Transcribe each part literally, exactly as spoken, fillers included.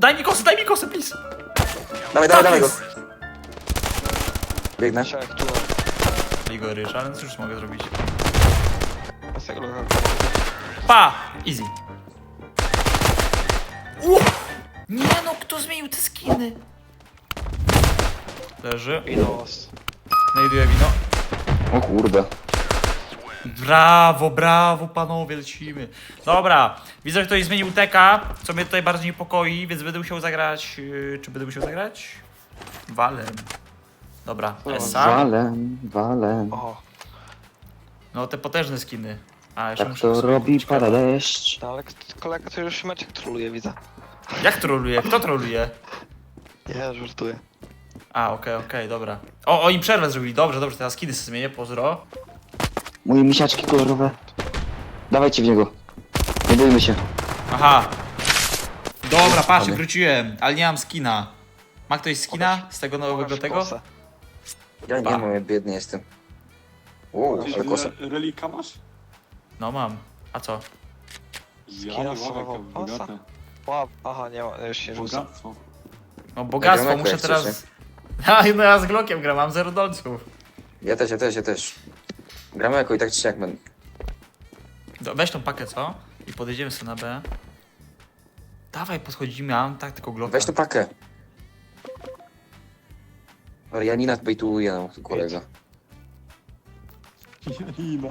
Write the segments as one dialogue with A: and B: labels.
A: daj mi kosę, daj mi kosę, please.
B: Dawaj,
A: Tak
B: dawaj, dawaj go.
A: jest.
B: Biegnę.
C: Trzech, tu.
A: Ligo ryż, ale cóż mogę zrobić?
C: Z tego locha.
A: Pa! Easy. Uff! Nie no, kto zmienił te skiny? Leży.
C: I nos.
A: Znajduję wino.
B: O kurde.
A: Brawo, brawo panowie, lecimy. Dobra, widzę, że ktoś zmienił teka, co mnie tutaj bardzo niepokoi, więc będę musiał zagrać... Yy, czy będę musiał zagrać? Walem. Dobra, Esa.
B: Walem, walem.
C: Oho.
A: No te potężne skiny. A, jeszcze
B: Tak
A: muszę
B: to
A: sobie
B: robi
A: kupić
B: pada
A: kawę.
B: deszcz.
C: No ale k- kolega to już meczek troluje, widzę.
A: Jak troluje? Kto troluje?
C: Nie, żartuję.
A: A, okej, okay, okej, okay, dobra. O, oni przerwę zrobili, dobrze, dobrze, teraz skiny sobie zmienię, pozdro.
B: Moje misiaczki kolorowe. Dawajcie w niego. Nie bójmy się.
A: Aha. Dobra, patrz,
B: Mamy.
A: wróciłem, ale nie mam skina. Ma ktoś skina z tego nowego
C: Pokaż
A: tego?
C: kosę.
B: Ja nie
A: Pa.
B: mam, ja biedny jestem. Uuu, ale kosa.
D: Re relika masz?
A: No mam. A co?
D: Ja
C: Skina
D: nie
C: samego
D: mam,
C: pasa?
D: bogate.
C: Ła, aha, nie ma, już się rzuca.
D: Bogactwo.
A: No bogactwo,
B: Ja gram
A: muszę
B: jak
A: teraz...
B: chcecie.
A: A, no ja z Glockiem gram, mam zero dolców.
B: Ja też, ja też, ja też. Gramy jako i tak czy siak będę.
A: Do- Weź tą pakę, co? I podejdziemy sobie na B. Dawaj, podchodzimy, a mam tak tylko Glocka.
B: Weź tu pakę. Ale Janina bejtuje, no, tu kolega.
D: Janina.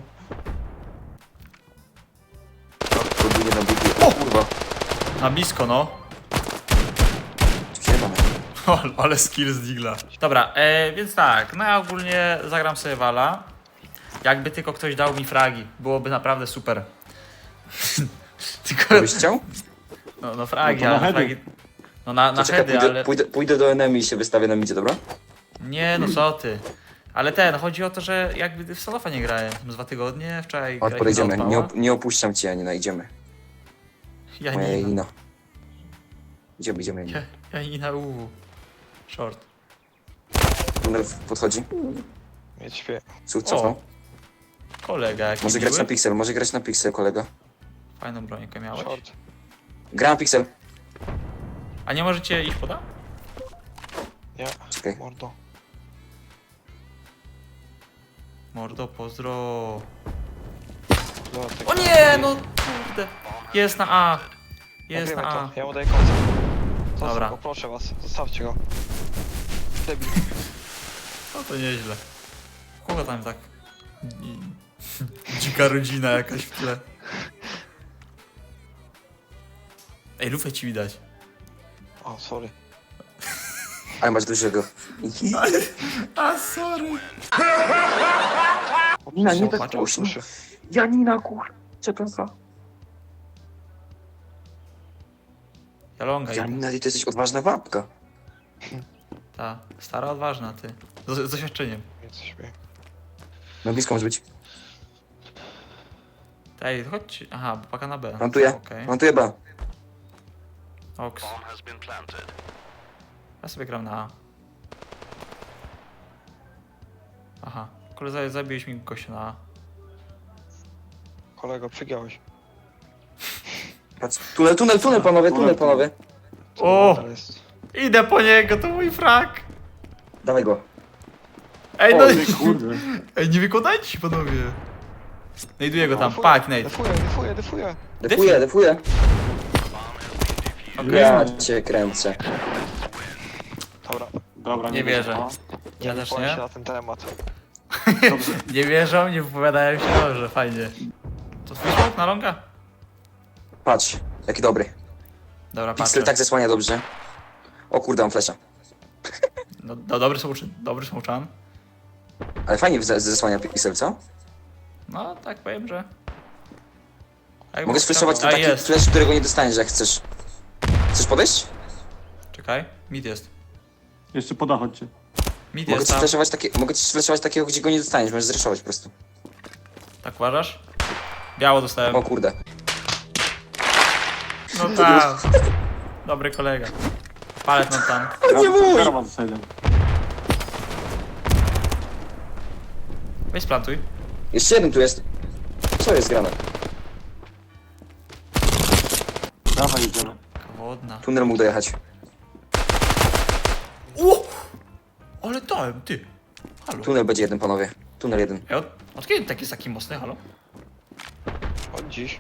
B: Próbuje na biegu. O kurwa.
A: Na blisko, no.
B: Siemane.
A: O, ale skill z Digla. Dobra, e, więc tak, no ja ogólnie zagram sobie Wala. Jakby tylko ktoś dał mi fragi, byłoby naprawdę super. Tylko,
B: Byś chciał?
A: no, no fragi,
D: No to na
A: ale
D: heady.
A: fragi... No na, na
B: To czekaj,
A: heady,
B: pójdę,
A: ale...
B: pójdę, pójdę do enemy i się wystawię na midzie, dobra?
A: Nie, no co ty. Ale ten, chodzi o to, że jakby w Solofa nie grałem z dwa tygodnie, wczoraj
B: Chodź,
A: graliśmy
B: podejdziemy.
A: na
B: Nie,
A: Outlawa.
B: op nie opuszczam cię, Janina, idziemy.
A: Ja
B: Moja
A: nie,
B: Janina. Idziemy, idziemy, Janina.
A: ja, ja nie na U. Short.
B: Tunel podchodzi.
C: Mieć śpie.
B: Cóż, cofnął.
A: Kolega jaki
B: Może grać
A: miły.
B: na pixel, może grać na pixel, kolega.
A: Fajną brońkę miałeś.
C: Short.
B: Gra na pixel.
A: A nie możecie iść poda?
C: Nie,
B: Czekaj.
C: mordo.
A: Mordo, pozdro.
C: Dobra, tak.
A: O nie, no kurde. Jest na A. Jest
C: Nagrywaj
A: na A.
C: to, ja mu daję koncert. Zostaw
A: Dobra.
C: go, proszę was, zostawcie go. Debil.
A: No to nieźle. Kogo tam tak? I- Dzika rodzina jakaś w tle. Ej, lufę ci widać.
C: O, sorry.
B: Ale masz dużego.
A: A, sorry.
B: Janina, nie tak
A: Patrz,
B: głośno.
C: Proszę.
B: Janina, kur... Przepraszam.
A: Jalonga.
B: Janina, ty to jesteś odważna babka.
A: Ta, stara, odważna, ty. Z, z doświadczeniem.
C: Mieć śpie.
B: Na blisko może być.
A: Ej, chodź. Aha, bo paka na B.
B: Plantuję.
A: Okej.
B: Plantuję B.
A: Oks. Ja sobie gram na A. Aha. Kolega, zabiłeś mi gościa na A.
C: Kolego, przygiąłeś.
B: Patrz. Tunel, tunel, tunel, panowie, tunel, panowie.
A: O!
C: To jest...
A: Idę po niego, to mój frak!
B: Dawaj go.
A: Ej,
B: O,
A: no
D: Ty kurde.
A: Ej, nie wykładajcie się, panowie! Znajduję go tam,
C: Defuję,
A: pak, Nate.
C: Defuję, defuję, defuję.
B: Defuję, defuję.
A: Okej.
B: Ja cię kręcę.
C: Dobra,
D: Dobra,
A: Nie wierzę.
D: A,
A: Ja też
C: powiem się
A: nie.
C: na ten temat.
D: Dobrze.
A: Nie wierzą, nie wypowiadają się dobrze, fajnie. To twój smok na longa?
B: Patrz, jaki dobry.
A: Dobra, patrzę.
B: Pixel tak zasłania dobrze. O kurde, mam flesza.
A: No, no dobry smoczan, dobry smoczan.
B: Ale fajnie zas- zasłania Pixel, co?
A: No, tak powiem, że... Jak
B: Mogę
A: było
B: sfleszować
A: ciekawe-
B: ten
A: A,
B: taki
A: jest.
B: flash, którego nie dostaniesz, jak chcesz. Chcesz podejść?
A: Czekaj, mid jest.
D: Jeszcze poda chodźcie.
A: Mid
B: Mogę
A: jest
B: ci
A: tam.
B: flashować takie, mogę ci flashować takiego, gdzie go nie dostaniesz, możesz zreszować po prostu.
A: Tak uważasz? Biało dostałem.
B: O kurde.
A: No tak. Dobry kolega. Palet mam tam.
B: Nie mój!
D: Karawan z side'em.
A: Weź splantuj.
B: Jeszcze jeden tu jest. Co jest grane?
D: Dawaj, idziemy.
A: Kawory. Wodna.
B: Tunel mógł dojechać.
A: O! Ale dałem, ty. Halo.
B: Tunel będzie jeden, panowie. Tunel jeden.
A: Ej, od, od kiedy tak jest taki mocny, halo?
C: Od dziś.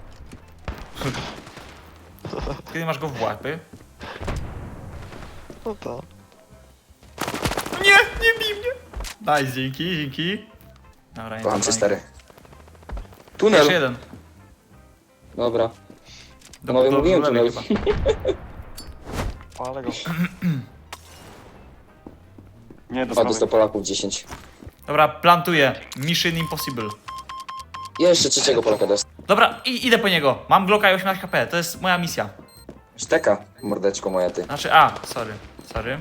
A: Od kiedy masz go w łapy?
C: No to.
A: Nie, nie bij mnie! Daj, dzięki, dzięki. Dobra, nie
B: Kocham
A: to
B: cię,
A: broń.
B: stary. Tunel!
A: Jeszcze jeden.
B: Dobra.
A: Do,
B: Panowie,
A: do,
B: mówiłem
A: do lewej
B: tunel.
A: chyba.
C: Ale go.
D: Nie, do
B: Dwa do
D: prawej.
B: stu Polaków, dziesięć.
A: Dobra, plantuję. Mission Impossible.
B: Jeszcze trzeciego Polaka dostał.
A: Dobra, i, idę po niego. Mam Glocka i osiemnaście H P, to jest moja misja.
B: Szteka, mordeczko moja ty.
A: Znaczy, a, sorry, sorry.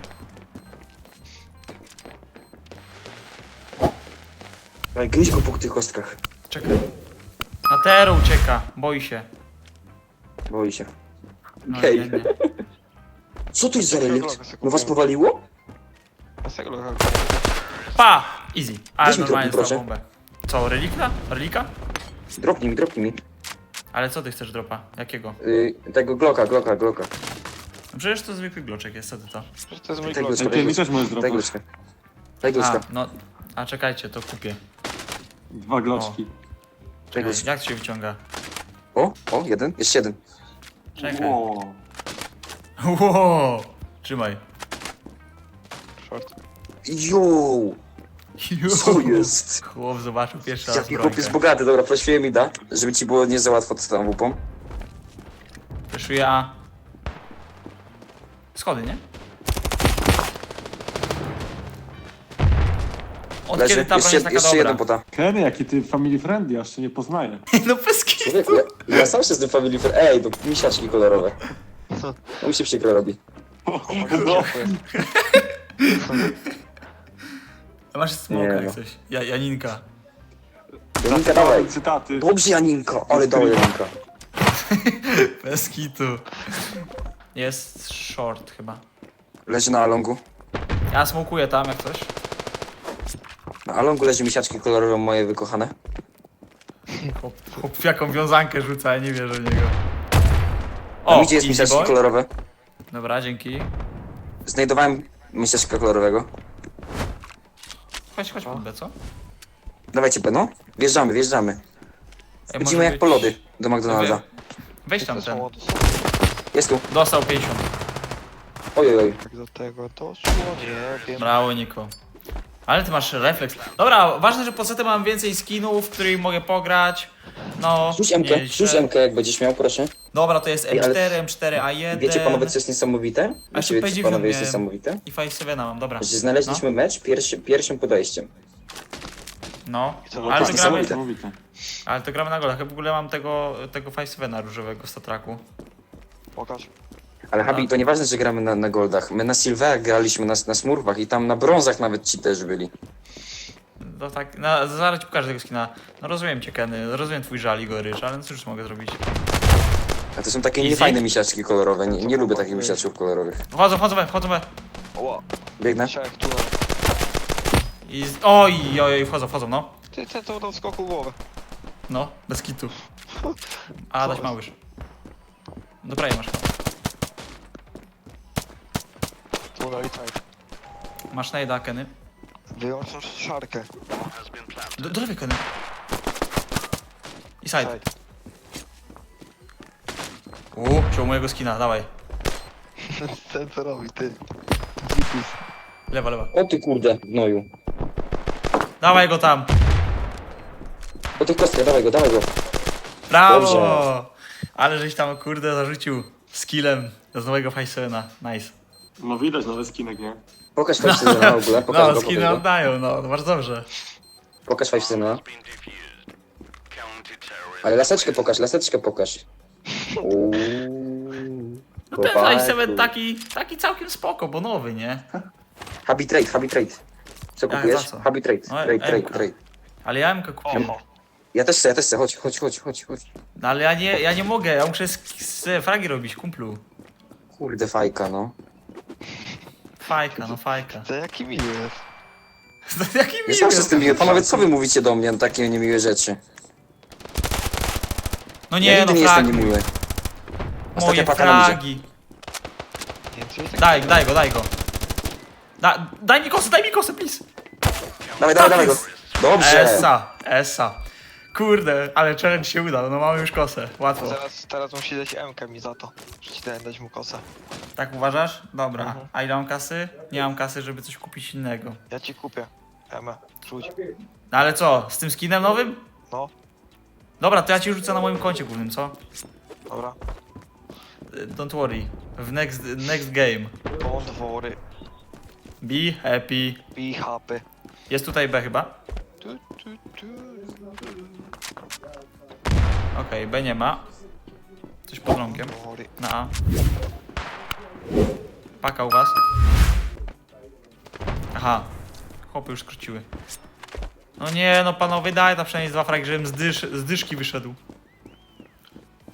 B: Ale gryź go po tych kostkach.
A: Czekaj. Na Tero ucieka, boi się.
B: Boi się.
A: No,
B: Hej.
A: nie, nie.
B: Co to jest za relikt? No was powaliło?
C: A z tego locha.
A: Pa! Easy. Ale
B: Weź mi
A: normalnie
B: dropnij,
A: dostał bombę. Co, relika? Relika?
B: Dropnij mi, dropnij mi.
A: Ale co ty chcesz dropa? Jakiego?
B: Yy, tego Glocka, Glocka, Glocka.
A: No przecież to zwykły gloczek jest, co ty to?
C: Przecież to jest mój
B: Tego
C: glock.
D: Ej, ty mi też możesz
B: Daj
D: dropnąć.
B: Glocka. Daj
A: A,
B: Glocka.
A: no, a czekajcie, to kupię.
D: Dwa gloczki.
B: Daj
A: Czekaj,
B: Glocka.
A: jak to się wyciąga?
B: O, o, jeden, jeszcze jeden.
A: Czekaj.
D: Wow.
A: Wow! Trzymaj.
C: Short.
B: Jo, co jest?
A: Chłop zobaczył pierwszy raz
B: Jaki chłop jest
A: brońkę.
B: bogaty, dobra, prosiłem mi da, żeby ci było nie za łatwo z tą łupą.
A: Fleszuję A. Schody, nie? Od
B: Leży,
A: kiedy ta broń
B: jeszcze,
A: jest taka
B: jeszcze jeden
A: dobra?
B: pota.
D: Kenny, jaki ty family friendly, aż się nie poznaję.
A: No bez kitu.
B: Człowieku, ja, ja sam się z tym family friend... Ej, to misiaczki kolorowe. No mi się przykro robi.
C: No.
A: A masz smoka
B: Nie,
A: jak
B: no.
A: coś. Ja, Janinka.
B: Janinka, dawaj.
D: Cytaty.
B: Dobrze, Janinka, ale dała Janinka.
A: Bez kitu. Jest short chyba.
B: Leży na Alongu.
A: Ja smokuję tam jak coś.
B: Na Alongu leży misiaczki kolorowe moje wykochane.
A: Chłop, chłop w jaką wiązankę rzuca, ja nie wierzę w niego.
B: O,
A: O,
B: gdzie jest
A: easy
B: misiaczki
A: boy.
B: kolorowe?
A: Dobra, dzięki.
B: Znajdowałem misiaczka kolorowego.
A: Chodź, chodź pod B, co?
B: Dawajcie, no. Wjeżdżamy, wjeżdżamy.
A: Ej,
B: Chodzimy
A: może
B: jak
A: być-
B: po lody do McDonalda.
A: Wy- Weź tam
C: To
A: ten.
C: są to są.
B: Jest tu.
A: Dostał pięćdziesiąt.
B: Oj, oj, oj.
C: Jak do tego doszło, nie wiem.
A: Brawo, Niko. Ale ty masz refleks. Dobra, ważne, że po setem mam więcej skinów, w których mogę pograć. No,
B: Rzuć M K,
A: nieźle.
B: rzuć M K jak będziesz miał, proszę.
A: Dobra, to jest
B: Ej, ale
A: M cztery, M cztery A jeden.
B: Wiecie panowie, co jest niesamowite?
A: A
B: Wiecie,
A: jeszcze
B: wiecie panowie, jest
A: miałem.
B: niesamowite?
A: I pięć siedem mam, dobra.
B: Że znaleźliśmy mecz pierwszy, pierwszym podejściem.
A: No,
C: Co,
A: ale to,
B: jest
A: gramy,
B: niesamowite.
D: Niesamowite.
A: ale to gramy na golach. Ja w ogóle mam tego, tego pięć siedem różowego z Tatraku.
C: Pokaż.
B: Ale Habi,
A: No.
B: to nieważne, że gramy na, na goldach. My na silverach graliśmy, na, na smurfach i tam na brązach nawet ci też byli.
A: No tak, no, zaraz ci pokażę tego skina. No rozumiem cię, Kenny, rozumiem twój żal i goryż, ale no cóż mogę zrobić.
B: A to są takie
A: Easy?
B: niefajne misiaczki kolorowe. Nie, nie lubię takich misiaczków kolorowych.
A: Wchodzą, wchodzą, we, wchodzą. we.
C: Oła.
B: Biegnę.
C: Siak tu.
A: I z... Oj, oj, oj, wchodzą, wchodzą, no.
C: Ty, ten to dał skoku głowę.
A: No, bez kitu. A, dać małyż. Dobra, je masz.
C: Tu dali tak.
A: Masz najda, Kenny.
C: Wyłączam szarkę.
A: Do, do lewej, Kenny. I side.
C: Side.
A: Uuu, wziął mojego skina, dawaj.
C: Ten co robi, ty.
A: Lewa, lewa.
B: O ty kurde, gnoju.
A: Dawaj go tam.
B: O ty kostkę, dawaj go, dawaj go.
A: Brawo!
B: Dobrze.
A: Ale żeś tam, kurde, zarzucił skillem z nowego pięć siedem. Nice.
D: No widać nowy skinek, nie?
B: Pokaż Five Syna w ogóle, pokaż
A: No,
B: go,
A: skiny
B: pokaż go.
A: oddają, no, bardzo dobrze.
B: Pokaż Five Syna. Ale laseczkę pokaż, laseczkę pokaż. Uuu.
A: No ten pięć siedem taki, taki całkiem spoko, bo nowy, nie?
B: Habi trade, habi trade. Co
A: Jak,
B: kupujesz?
A: za co?
B: Habi trade,
A: No,
B: trade, trade,
A: M K.
B: trade.
A: Ale ja M K kupiłem.
C: Oho.
B: Ja też chcę, ja też chcę, chodź, chodź, chodź, chodź, chodź.
A: No ale ja nie, ja nie mogę, ja muszę z, z fragi robić, kumplu.
B: Kurde fajka, no.
A: Fajka, no fajka.
C: To jaki miły jest.
A: Jaki
B: Ja
A: miły.
B: zawsze z tym miły. Panowie, co wy mówicie do mnie na takie niemiłe rzeczy?
A: No
B: Ja
A: nie,
B: nigdy
A: no
B: nie jestem
A: fragi.
B: niemiły. Ostatnia
A: Moje
B: paka nam idzie.
A: fragi.
C: Co jest
A: Daj, daj go, daj go. Da, daj mi kosę, daj mi kosę, please.
B: Dawaj, dawaj, dawaj go. Dobrze.
A: Esa, esa. Kurde, ale challenge się uda, no mamy już kosę, łatwo.
C: Teraz, teraz musi dać M-kę mi za to, że ci dałem dać mu kosę.
A: Tak uważasz? Dobra.
C: Mhm.
A: A ile mam kasy? Nie mam kasy, żeby coś kupić innego.
C: Ja ci kupię M-ę, rzuć.
A: No ale co, z tym skinem nowym?
C: No,
A: Dobra, to ja ci rzucę na moim koncie głównym, co?
C: dobra.
A: Y, Don't worry. W next, next game.
C: Don't worry,
A: Be happy.
C: be happy.
A: Jest tutaj B chyba?
C: Tu, tu, tu.
A: Okej, B nie ma. Coś pod rąkiem.
C: Don't worry.
A: Na A. Paka u was. Aha. Chłopy już skróciły. No nie, no panowie, daj tam przynajmniej z dwa fragi, żebym z, dysz, z dyszki wyszedł.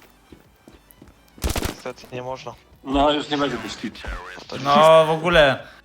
C: Niestety nie można.
D: No już nie będzie dyszki.
A: No w ogóle.